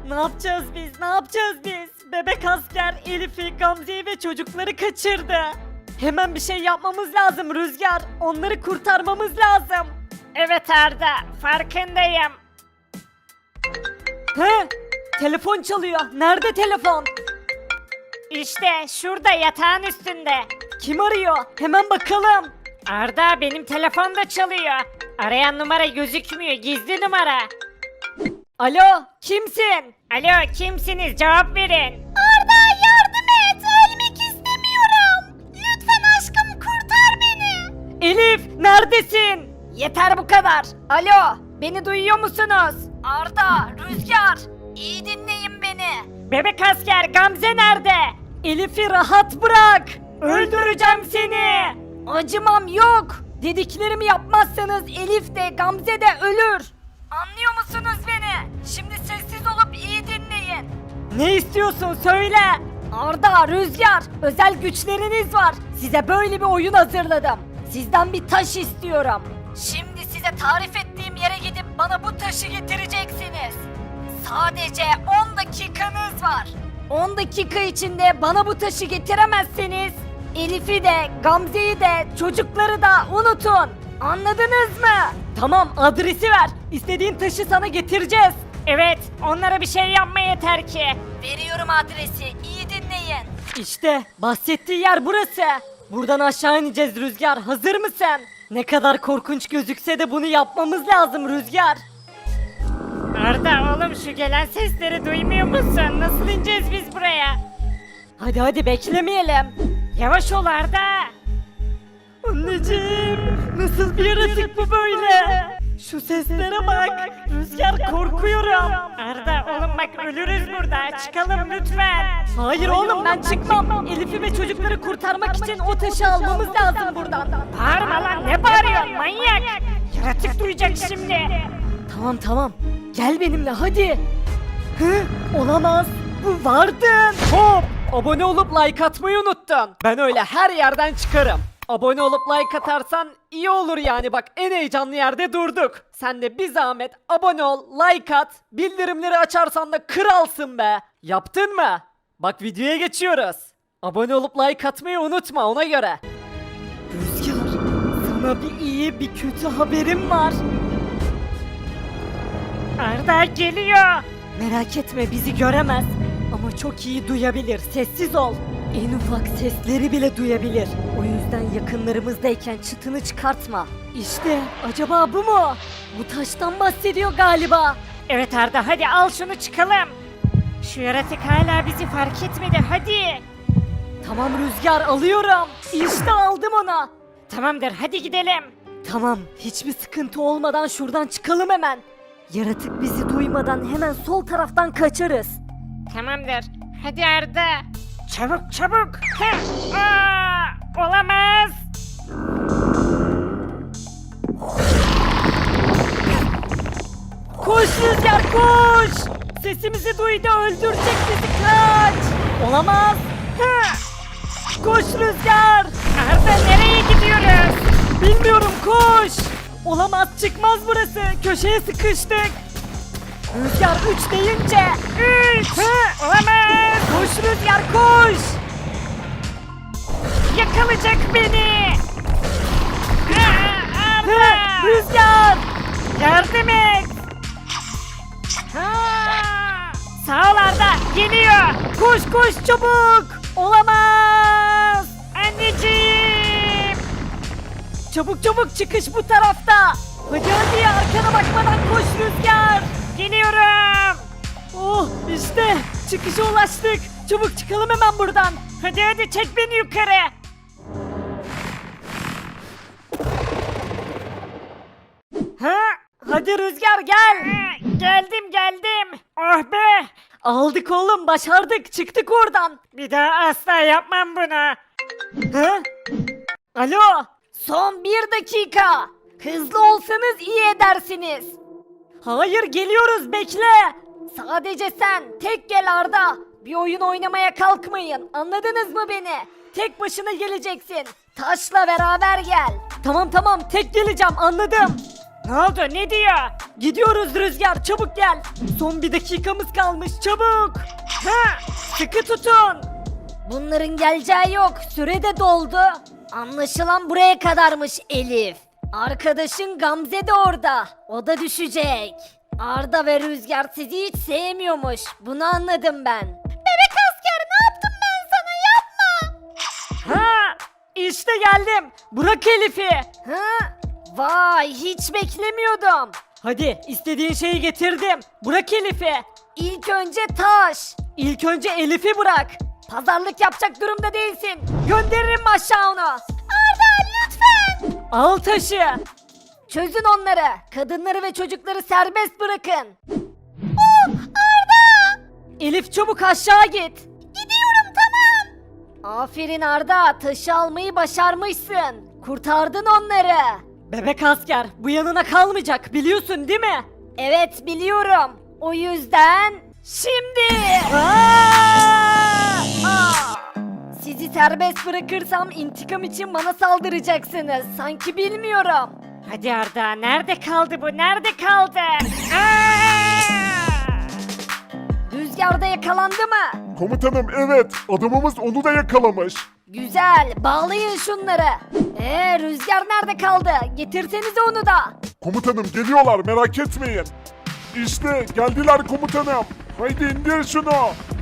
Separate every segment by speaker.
Speaker 1: Ne yapacağız biz? Ne yapacağız biz? Bebek asker Elif'i, Gamze'yi ve çocukları kaçırdı. Hemen bir şey yapmamız lazım Rüzgar. Onları kurtarmamız lazım.
Speaker 2: Evet Arda, farkındayım.
Speaker 1: He? Telefon çalıyor. Nerede telefon?
Speaker 2: İşte şurada yatağın üstünde.
Speaker 1: Kim arıyor? Hemen bakalım.
Speaker 2: Arda benim telefon da çalıyor. Arayan numara gözükmüyor, gizli numara.
Speaker 1: Alo, kimsin?
Speaker 2: Alo, kimsiniz? Cevap verin.
Speaker 3: Arda yardım et. Ölmek istemiyorum. Lütfen aşkım kurtar beni.
Speaker 1: Elif, neredesin?
Speaker 2: Yeter bu kadar. Alo, beni duyuyor musunuz?
Speaker 3: Arda, Rüzgar, iyi dinleyin beni.
Speaker 2: Bebek asker Gamze nerede?
Speaker 1: Elif'i rahat bırak. Öldüreceğim seni.
Speaker 2: Acımam yok. Dediklerimi yapmazsanız Elif de Gamze de ölür.
Speaker 3: Anlıyor musunuz beni? Şimdi sessiz olup iyi dinleyin.
Speaker 1: Ne istiyorsun söyle.
Speaker 2: Arda, Rüzgar, özel güçleriniz var. Size böyle bir oyun hazırladım. Sizden bir taş istiyorum.
Speaker 3: Şimdi size tarif ettiğim yere gidip bana bu taşı getireceksiniz. Sadece 10 dakikanız var.
Speaker 2: 10 dakika içinde bana bu taşı getiremezseniz Elif'i de, Gamze'yi de, çocukları da unutun. Anladınız mı?
Speaker 1: Tamam, adresi ver. İstediğin taşı sana getireceğiz.
Speaker 2: Evet, onlara bir şey yapma yeter ki.
Speaker 3: Veriyorum adresi, iyi dinleyin.
Speaker 1: İşte bahsettiği yer burası. Buradan aşağı ineceğiz Rüzgar. Hazır mısın? Ne kadar korkunç gözükse de bunu yapmamız lazım Rüzgar.
Speaker 2: Arda oğlum şu gelen sesleri duymuyor musun? Nasıl ineceğiz biz buraya?
Speaker 1: Hadi hadi beklemeyelim.
Speaker 2: Yavaş ol Arda.
Speaker 1: Anneciğim, nasıl bir yaratık bu böyle? Şu seslere bak. Rüzgar, korkuyorum.
Speaker 2: Arda oğlum bak ölürüz burada. Çıkalım lütfen.
Speaker 1: Hayır oğlum, ben çıkmam. Elif'i ve çocukları kurtarmak için o taşı almamız lazım buradan.
Speaker 2: Bağırma lan ne bağırıyorsun manyak. Yaratık duyacak şimdi.
Speaker 1: Tamam tamam. Gel benimle hadi. Hı? Olamaz. Bu vardın. Hop! Abone olup like atmayı unuttun. Ben öyle her yerden çıkarım. Abone olup like atarsan iyi olur yani, bak en heyecanlı yerde durduk. Sen de bir zahmet abone ol, like at, bildirimleri açarsan da kralsın be. Yaptın mı? Bak videoya geçiyoruz. Abone olup like atmayı unutma ona göre. Rüzgar, sana bir iyi bir kötü haberim var.
Speaker 2: Arda geliyor.
Speaker 1: Merak etme, bizi göremez. Ama çok iyi duyabilir. Sessiz ol. En ufak sesleri bile duyabilir. O yüzden yakınlarımızdayken çıtını çıkartma. İşte acaba bu mu? Bu taştan bahsediyor galiba.
Speaker 2: Evet Arda hadi al şunu çıkalım. Şu yaratık hala bizi fark etmedi hadi.
Speaker 1: Tamam Rüzgar, alıyorum. İşte aldım onu.
Speaker 2: Tamamdır hadi gidelim.
Speaker 1: Tamam, hiçbir sıkıntı olmadan şuradan çıkalım hemen. Yaratık bizi duymadan hemen sol taraftan kaçarız.
Speaker 2: Tamamdır. Hadi Arda. Çabuk çabuk. Heh. Aa, olamaz.
Speaker 1: Koş Rüzgar koş! Sesimizi duydu, öldürecek bizi, kaç! Olamaz! Hı! Koş Rüzgar!
Speaker 2: Arda nereye gidiyoruz?
Speaker 1: Bilmiyorum, koş! Olamaz, çıkmaz burası, köşeye sıkıştık! Rüzgar 3 deyince! 3!
Speaker 2: Olamaz.
Speaker 1: Koş Rüzgar koş!
Speaker 2: Yakalayacak beni. Aa,
Speaker 1: Hı!
Speaker 2: Arda.
Speaker 1: Rüzgar!
Speaker 2: Yardım et. Sağ ol Arda geliyor.
Speaker 1: Koş koş çabuk! Olamaz!
Speaker 2: Anneciğim.
Speaker 1: Çabuk çabuk, çıkış bu tarafta! Hadi hadi, arkana bakmadan koş Rüzgar!
Speaker 2: Geliyorum.
Speaker 1: Oh işte çıkışa ulaştık. Çabuk çıkalım hemen buradan.
Speaker 2: Hadi hadi çek beni yukarı.
Speaker 1: Ha? Hadi Rüzgar gel.
Speaker 2: Geldim geldim. Oh be.
Speaker 1: Aldık oğlum, başardık, çıktık oradan.
Speaker 2: Bir daha asla yapmam bunu.
Speaker 1: Ha? Alo.
Speaker 2: Son 1 dakika. Hızlı olsanız iyi edersiniz.
Speaker 1: Hayır, geliyoruz, bekle.
Speaker 2: Sadece sen tek gel Arda. Bir oyun oynamaya kalkmayın. Anladınız mı beni? Tek başına geleceksin. Taşla beraber gel.
Speaker 1: Tamam tamam, tek geleceğim, anladım. Ne oldu, ne diyor? Gidiyoruz Rüzgar, çabuk gel. Son bir dakikamız kalmış, çabuk. Ha, sıkı tutun.
Speaker 2: Bunların geleceği yok. Süre de doldu. Anlaşılan buraya kadarmış Elif. Arkadaşın Gamze de orada. O da düşecek. Arda ve Rüzgar sizi hiç sevmiyormuş. Bunu anladım ben. Bebek asker ne yaptım ben sana, yapma.
Speaker 1: Ha, işte geldim. Bırak Elif'i.
Speaker 2: Ha? Vay, hiç beklemiyordum.
Speaker 1: Hadi, istediğin şeyi getirdim. Bırak Elif'i.
Speaker 2: İlk önce taş.
Speaker 1: İlk önce Elif'i bırak.
Speaker 2: Pazarlık yapacak durumda değilsin.
Speaker 1: Gönderirim aşağı onu.
Speaker 2: Arda lütfen.
Speaker 1: Al taşı.
Speaker 2: Çözün onları. Kadınları ve çocukları serbest bırakın.
Speaker 1: Elif çabuk aşağı git.
Speaker 2: Gidiyorum, tamam. Aferin Arda, taşı almayı başarmışsın. Kurtardın onları.
Speaker 1: Bebek asker bu yanına kalmayacak biliyorsun değil mi?
Speaker 2: Evet, biliyorum. O yüzden şimdi sizi serbest bırakırsam intikam için bana saldıracaksınız. Sanki bilmiyorum.
Speaker 1: Hadi Arda, nerede kaldı bu? Nerede kaldı?
Speaker 2: Rüzgarda yakalandı mı?
Speaker 4: Komutanım evet, adamımız onu da yakalamış.
Speaker 2: Güzel, bağlayın şunları. Rüzgar nerede kaldı? Getirsenize onu da.
Speaker 4: Komutanım geliyorlar, merak etmeyin. İşte geldiler komutanım. Haydi indir şunu.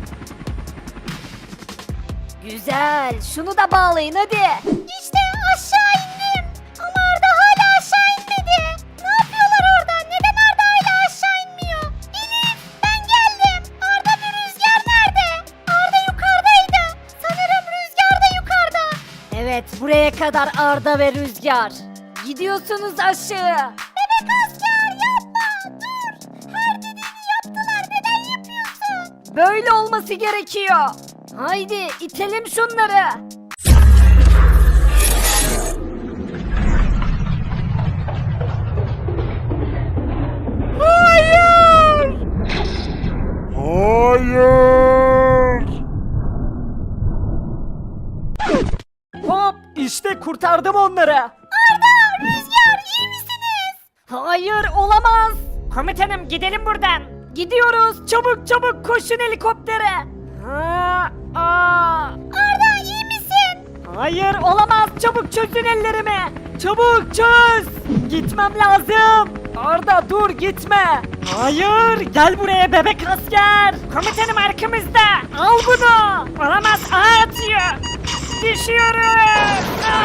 Speaker 2: Güzel, şunu da bağlayın hadi. İşte aşağı indim. Ama Arda hala aşağı inmedi. Ne yapıyorlar orada? Neden Arda hala aşağı inmiyor? Elif, ben geldim. Arda ve Rüzgar nerede? Arda yukarıdaydı. Sanırım Rüzgar da yukarıda. Evet, buraya kadar Arda ve Rüzgar. Gidiyorsunuz aşağı. Bebek asker yapma, dur. Her dediğini yaptılar, neden yapıyorsun? Böyle olması gerekiyor. Haydi itelim şunları.
Speaker 4: Hayır.
Speaker 1: Hop, işte kurtardım onları.
Speaker 2: Arda, Rüzgar iyi misiniz?
Speaker 1: Hayır, olamaz. Komutanım gidelim buradan.
Speaker 2: Gidiyoruz.
Speaker 1: Çabuk çabuk koşun helikoptere.
Speaker 2: Arda iyi misin?
Speaker 1: Hayır, olamaz. Çabuk çözün ellerimi. Çabuk çöz. Gitmem lazım. Arda dur, gitme. Hayır, gel buraya bebek asker. Komutanım arkamızda. Al bunu. Olamaz, ağa atıyor. Düşüyoruz.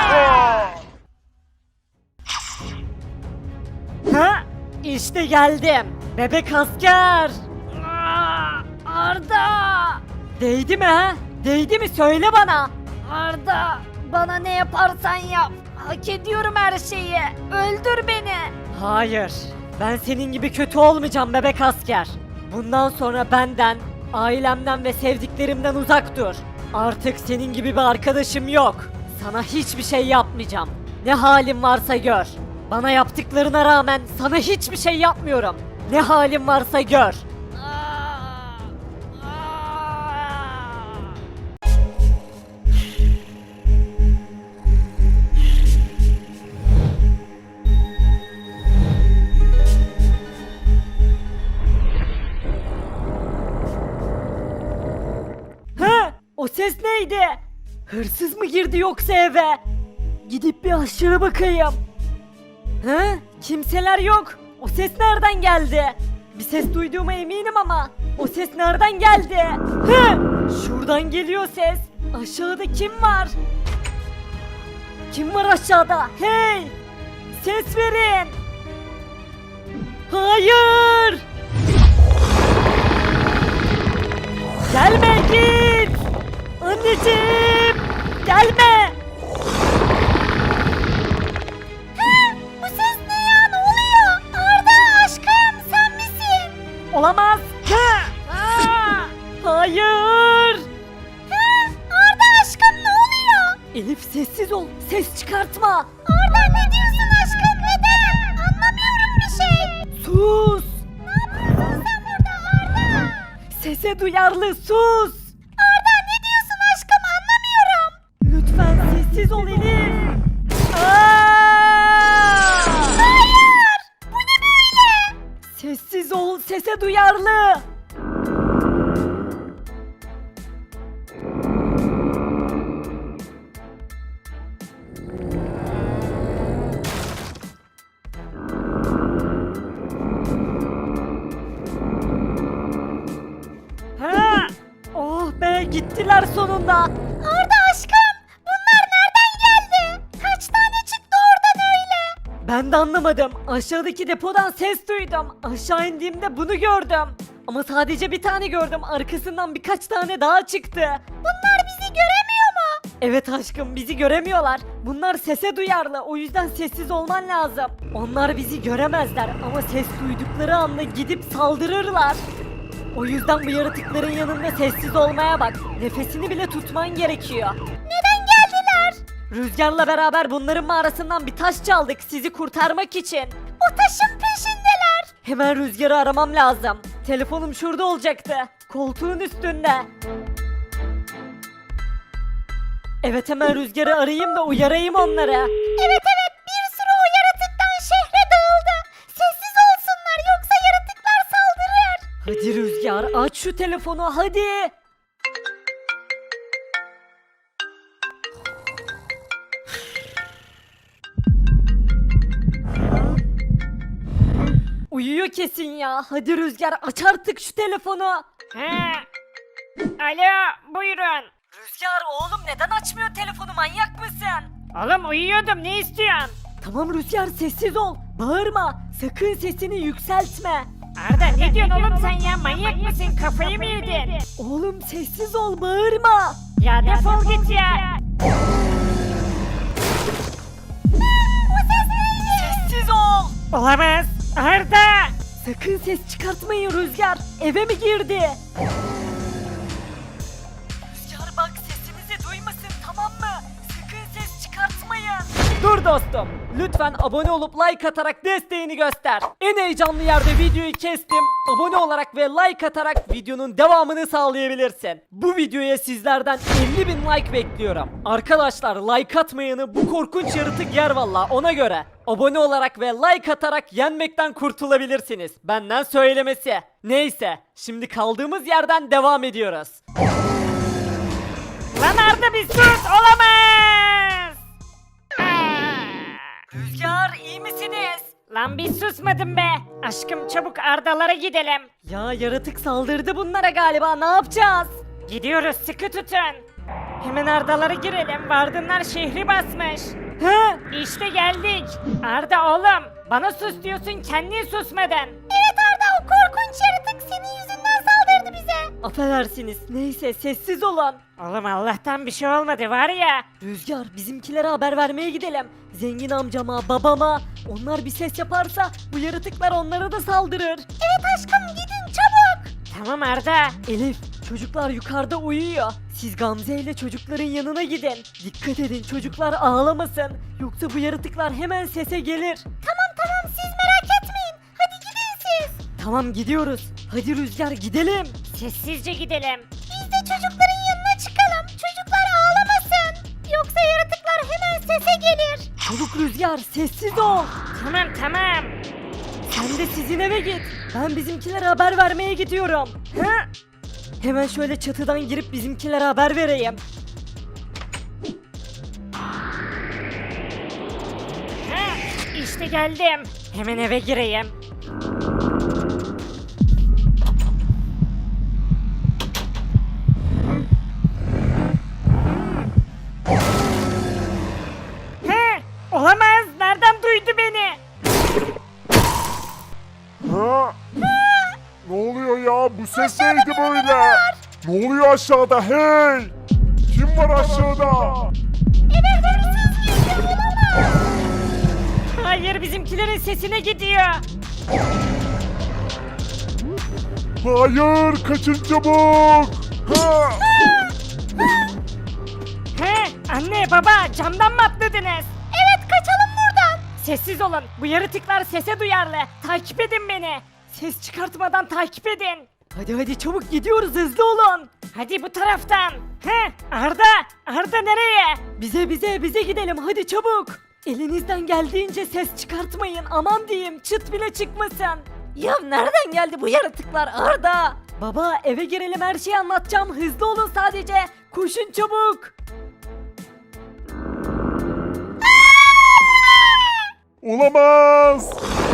Speaker 1: Ha? İşte geldim. Bebek asker.
Speaker 2: Arda.
Speaker 1: Değdi mi ha? Değdi mi? Söyle bana.
Speaker 2: Arda, bana ne yaparsan yap. Hak ediyorum her şeyi. Öldür beni.
Speaker 1: Hayır. Ben senin gibi kötü olmayacağım bebek asker. Bundan sonra benden, ailemden ve sevdiklerimden uzak dur. Artık senin gibi bir arkadaşım yok. Sana hiçbir şey yapmayacağım. Ne halin varsa gör. Bana yaptıklarına rağmen sana hiçbir şey yapmıyorum. Ne halin varsa gör. O ses neydi? Hırsız mı girdi yoksa eve? Gidip bir aşağı bakayım. He? Kimseler yok. O ses nereden geldi? Bir ses duyduğuma eminim ama o ses nereden geldi? He? Şuradan geliyor ses. Aşağıda kim var? Kim var aşağıda? Hey! Ses verin. Hayır! Gelme git! Anneciğim! Gelme!
Speaker 2: Bu ses ne ya? Ne oluyor? Arda aşkım, sen misin?
Speaker 1: Olamaz! Hayır!
Speaker 2: Arda aşkım, ne oluyor?
Speaker 1: Elif sessiz ol, ses çıkartma!
Speaker 2: Arda ne diyorsun aşkım? Neden? Anlamıyorum bir şey.
Speaker 1: Sus!
Speaker 2: Ne yapıyorsun sen burada Arda?
Speaker 1: Sese duyarlı sus!
Speaker 2: Arda ne diyorsun aşkım? Anlamıyorum.
Speaker 1: Lütfen sessiz ol Elif!
Speaker 2: Hayır!
Speaker 1: sese duyarlı. Ha! Oh be, gittiler sonunda.
Speaker 2: Arda aşkım, bunlar nereden geldi? Kaç tane çıktı oradan öyle?
Speaker 1: Ben de anlamadım. Aşağıdaki depodan ses duydum. Aşağı indiğimde bunu gördüm. Ama sadece bir tane gördüm. Arkasından birkaç tane daha çıktı.
Speaker 2: Bunlar bizi göremiyor mu?
Speaker 1: Evet aşkım, bizi göremiyorlar. Bunlar sese duyarlı. O yüzden sessiz olman lazım. Onlar bizi göremezler ama ses duydukları anda gidip saldırırlar. O yüzden bu yaratıkların yanında sessiz olmaya bak. Nefesini bile tutman gerekiyor.
Speaker 2: Neden geldiler?
Speaker 1: Rüzgarla beraber bunların mağarasından bir taş çaldık sizi kurtarmak için.
Speaker 2: O taşın peşindeler.
Speaker 1: Hemen Rüzgar'ı aramam lazım. Telefonum şurada olacaktı. Koltuğun üstünde. Evet, hemen Rüzgar'ı arayayım da uyarayım onları.
Speaker 2: Evet bir sürü o yaratıktan şehre dağıldı. Sessiz olsunlar yoksa yaratıklar saldırır.
Speaker 1: Hadi Rüzgar, aç şu telefonu hadi. Uyuyor kesin ya. Hadi Rüzgar, aç artık şu telefonu.
Speaker 5: Alo, buyurun.
Speaker 1: Rüzgar oğlum, neden açmıyor telefonu, manyak mısın?
Speaker 5: Oğlum uyuyordum, ne istiyorsun?
Speaker 1: Tamam Rüzgar, sessiz ol. Bağırma. Sakın sesini yükseltme.
Speaker 5: Arda ne diyorsun oğlum sen ya, manyak mısın, kafayı mı yedin?
Speaker 1: Oğlum sessiz ol, bağırma.
Speaker 5: Ya defol git ya.
Speaker 1: Sessiz ol.
Speaker 5: Olamaz, Arda.
Speaker 1: Sakın ses çıkartmayın Rüzgar. Eve mi girdi? Rüzgar bak, sesimizi duymasın, tamam mı? Sakın ses çıkartmayın. Dur dostum. Lütfen abone olup like atarak desteğini göster. En heyecanlı yerde videoyu kestim. Abone olarak ve like atarak videonun devamını sağlayabilirsin. Bu videoya sizlerden 50.000 like bekliyorum. Arkadaşlar, like atmayanı bu korkunç yaratık yer valla, ona göre. Abone olarak ve like atarak yenmekten kurtulabilirsiniz. Benden söylemesi. Neyse, şimdi kaldığımız yerden devam ediyoruz.
Speaker 5: Lan Arda bir sus, olamaz.
Speaker 1: Rüzgar, iyi misiniz?
Speaker 5: Lan bir susmadım be. Aşkım çabuk Ardalara gidelim.
Speaker 1: Ya yaratık saldırdı bunlara galiba, ne yapacağız?
Speaker 5: Gidiyoruz, sıkı tutun. Hemen Ardalara girelim, vardınlar şehri basmış.
Speaker 1: He?
Speaker 5: İşte geldik. Arda oğlum, bana sus diyorsun, kendin susmadın.
Speaker 2: Evet Arda, o korkunç yaratık senin yüzünden saldırdı bize.
Speaker 1: Affedersiniz, neyse sessiz olun.
Speaker 5: Oğlum Allah'tan bir şey olmadı var ya.
Speaker 1: Rüzgar, bizimkilere haber vermeye gidelim. Zengin amcama, babama. Onlar bir ses yaparsa bu yaratıklar onlara da saldırır.
Speaker 2: Evet aşkım, gidin çabuk.
Speaker 5: Tamam Arda.
Speaker 1: Elif, çocuklar yukarıda uyuyor. Siz Gamze ile çocukların yanına gidin. Dikkat edin, çocuklar ağlamasın. Yoksa bu yaratıklar hemen sese gelir.
Speaker 2: Tamam siz merak etmeyin. Hadi gidin siz.
Speaker 1: Tamam, gidiyoruz. Hadi Rüzgar, gidelim.
Speaker 5: Sessizce gidelim.
Speaker 2: Biz de çocukların yanına çıkalım. Çocuklar ağlamasın. Yoksa yaratıklar hemen sese gelir.
Speaker 1: Çabuk Rüzgar, sessiz ol.
Speaker 5: Tamam.
Speaker 1: Sen de sizin eve git. Ben bizimkilere haber vermeye gidiyorum.
Speaker 5: Hı?
Speaker 1: Hemen şöyle çatıdan girip bizimkilere haber vereyim.
Speaker 5: Hı? İşte geldim. Hemen eve gireyim. Hı? Olamaz. Nereden duydu beni?
Speaker 4: Ha? Ne oluyor ya? Bu ses neydi böyle? Ne oluyor aşağıda? Hey! Kim var aşağıda?
Speaker 5: Hayır, bizimkilerin sesine gidiyor.
Speaker 4: Hayır! Kaçın çabuk! Ha!
Speaker 5: He, anne baba camdan mı atladınız?
Speaker 2: Evet, kaçalım buradan.
Speaker 5: Sessiz olun. Bu yaratıklar sese duyarlı. Takip edin beni. Ses çıkartmadan takip edin.
Speaker 1: Hadi çabuk gidiyoruz, hızlı olun.
Speaker 5: Hadi bu taraftan. He, Arda nereye?
Speaker 1: Bize gidelim, hadi çabuk. Elinizden geldiğince ses çıkartmayın, aman diyeyim, çıt bile çıkmasın. Ya nereden geldi bu yaratıklar Arda? Baba eve girelim her şeyi anlatacağım. Hızlı olun sadece. Koşun çabuk.
Speaker 4: Olamaz.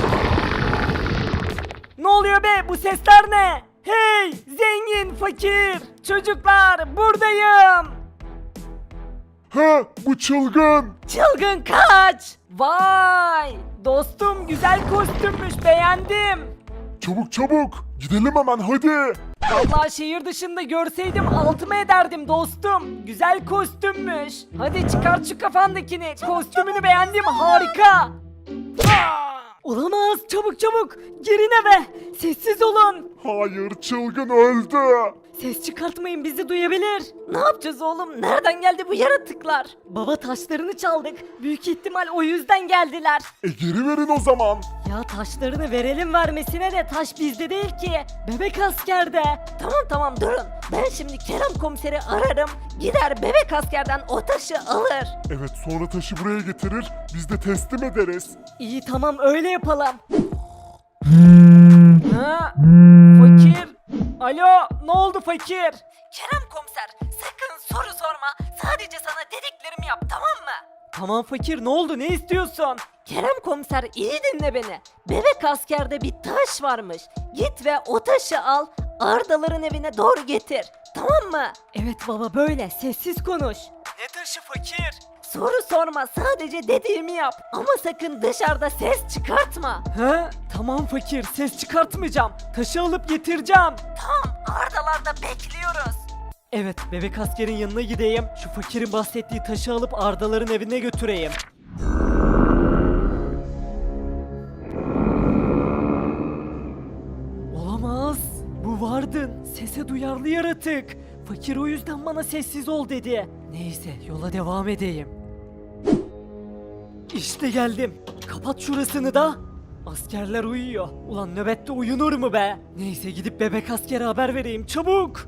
Speaker 1: Ne oluyor be? Bu sesler ne? Hey! Zengin, fakir! Çocuklar buradayım!
Speaker 4: Ha, bu çılgın.
Speaker 1: Çılgın kaç! Vay! Dostum güzel kostümmüş beğendim.
Speaker 4: Çabuk çabuk. Gidelim hemen hadi.
Speaker 1: Vallahi şehir dışında görseydim altıma ederdim dostum. Güzel kostümmüş. Hadi çıkart şu kafandakini. Kostümünü beğendim harika. Olamaz çabuk çabuk. Girin eve. Sessiz olun.
Speaker 4: Hayır, çılgın öldü.
Speaker 1: Ses çıkartmayın bizi duyabilir. Ne yapacağız oğlum? Nereden geldi bu yaratıklar? Baba taşlarını çaldık. Büyük ihtimal o yüzden geldiler.
Speaker 4: Geri verin o zaman.
Speaker 1: Ya taşlarını verelim vermesine de taş bizde değil ki. Bebek askerde. Tamam durun. Ben şimdi Kerem komiseri ararım. Gider bebek askerden o taşı alır.
Speaker 4: Evet, sonra taşı buraya getirir. Biz de teslim ederiz.
Speaker 1: İyi tamam öyle yapalım. Ha? Fakir. Alo ne oldu fakir? Kerem komiser sakın soru sorma. Sadece sana dediklerimi yap tamam mı? Tamam fakir ne oldu ne istiyorsun? Kerem komiser iyi dinle beni. Bebek askerde bir taş varmış. Git ve o taşı al. Ardaların evine doğru getir. Tamam mı? Evet baba böyle sessiz konuş. Ne taşı fakir? Soru sorma sadece dediğimi yap. Ama sakın dışarıda ses çıkartma. He? Tamam fakir ses çıkartmayacağım. Taşı alıp getireceğim. Tamam Ardalarda bekliyoruz. Evet bebek askerin yanına gideyim. Şu fakirin bahsettiği taşı alıp Ardaların evine götüreyim. Olamaz. Bu vardın. Sese duyarlı yaratık. Fakir o yüzden bana sessiz ol dedi. Neyse yola devam edeyim. İşte geldim. Kapat şurasını da. Askerler uyuyor. Ulan nöbette uyunur mu be? Neyse gidip bebek askere haber vereyim çabuk.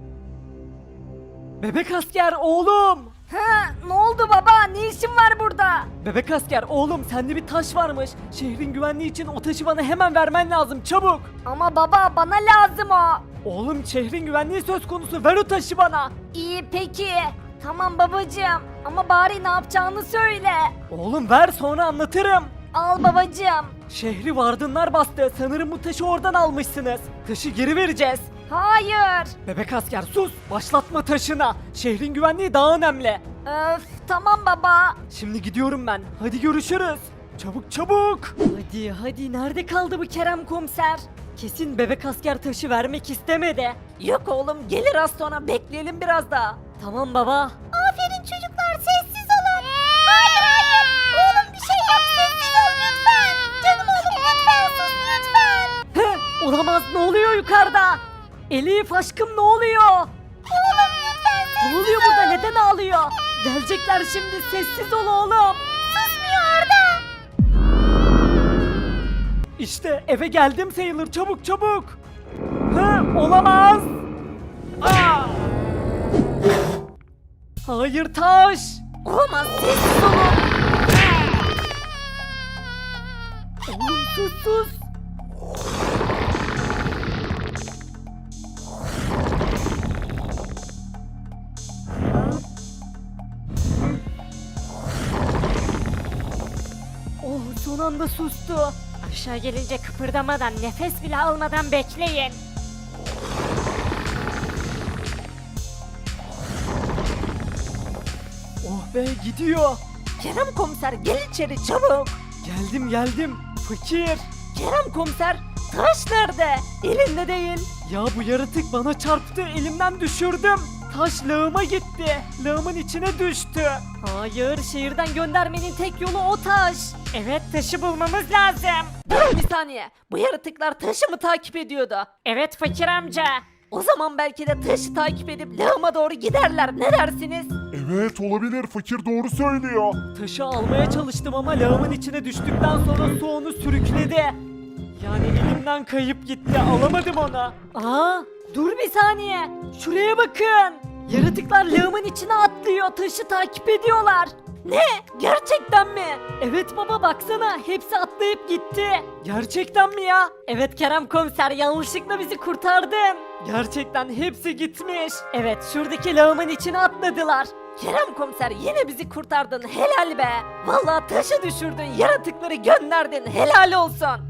Speaker 1: Bebek asker oğlum.
Speaker 2: Ha, ne oldu baba? Ne işin var burada?
Speaker 1: Bebek asker oğlum sende bir taş varmış. Şehrin güvenliği için o taşı bana hemen vermen lazım çabuk.
Speaker 2: Ama baba bana lazım o.
Speaker 1: Oğlum şehrin güvenliği söz konusu ver o taşı bana.
Speaker 2: İyi peki. Tamam babacığım. Ama bari ne yapacağını söyle.
Speaker 1: Oğlum ver sonra anlatırım.
Speaker 2: Al babacığım.
Speaker 1: Şehri vardınlar bastı. Sanırım bu taşı oradan almışsınız. Taşı geri vereceğiz.
Speaker 2: Hayır.
Speaker 1: Bebek asker sus. Başlatma taşına. Şehrin güvenliği daha önemli.
Speaker 2: Öf tamam baba.
Speaker 1: Şimdi gidiyorum ben. Hadi görüşürüz. Çabuk çabuk. Hadi nerede kaldı bu Kerem komiser? Kesin bebek asker taşı vermek istemedi. Yok oğlum gelir az sonra bekleyelim biraz daha. Tamam baba.
Speaker 2: Aferin çocuklar sessiz olun. Hayır. Oğlum bir şey yap sessiz ol lütfen. Canım oğlum lütfen sus lütfen.
Speaker 1: Heh, olamaz ne oluyor yukarıda? Elif aşkım ne oluyor?
Speaker 2: Oğlum lütfen
Speaker 1: Ne oluyor burada neden ağlıyor? Gelecekler şimdi sessiz ol oğlum.
Speaker 2: susmuyor Arda.
Speaker 1: İşte eve geldim sayılır çabuk çabuk. Olamaz. Aa! Hayır taş. Olamaz sessiz olun. Oğlum sus. Oh son anda sustu.
Speaker 5: Aşağı gelince kıpırdamadan, nefes bile almadan bekleyin.
Speaker 1: Oh be gidiyor. Kerem komiser gel içeri çabuk. Geldim. Fakir. Kerem komiser taş nerede? Elinde değil. Ya bu yaratık bana çarptı elimden düşürdüm. Taş lağıma gitti. Lağımın içine düştü. Hayır şehirden göndermenin tek yolu o taş.
Speaker 5: Evet taşı bulmamız lazım.
Speaker 1: Durun bir saniye. Bu yaratıklar taşı mı takip ediyordu?
Speaker 5: Evet fakir amca.
Speaker 1: O zaman belki de taşı takip edip lağıma doğru giderler. Ne dersiniz?
Speaker 4: Evet, olabilir. Fakir doğru söylüyor.
Speaker 1: Taşı almaya çalıştım ama lağımın içine düştükten sonra su onu sürükledi. Yani elimden kayıp gitti. Alamadım onu. Aa, dur bir saniye. Şuraya bakın. Yaratıklar lağımın içine atlıyor. Taşı takip ediyorlar. Ne? Gerçekten mi? Evet baba baksana hepsi atlayıp gitti. Gerçekten mi ya? Evet Kerem komiser yanlışlıkla bizi kurtardın. Gerçekten hepsi gitmiş. Evet şuradaki lağımın içine atladılar. Kerem komiser yine bizi kurtardın helal be. Vallahi taşı düşürdün yaratıkları gönderdin helal olsun.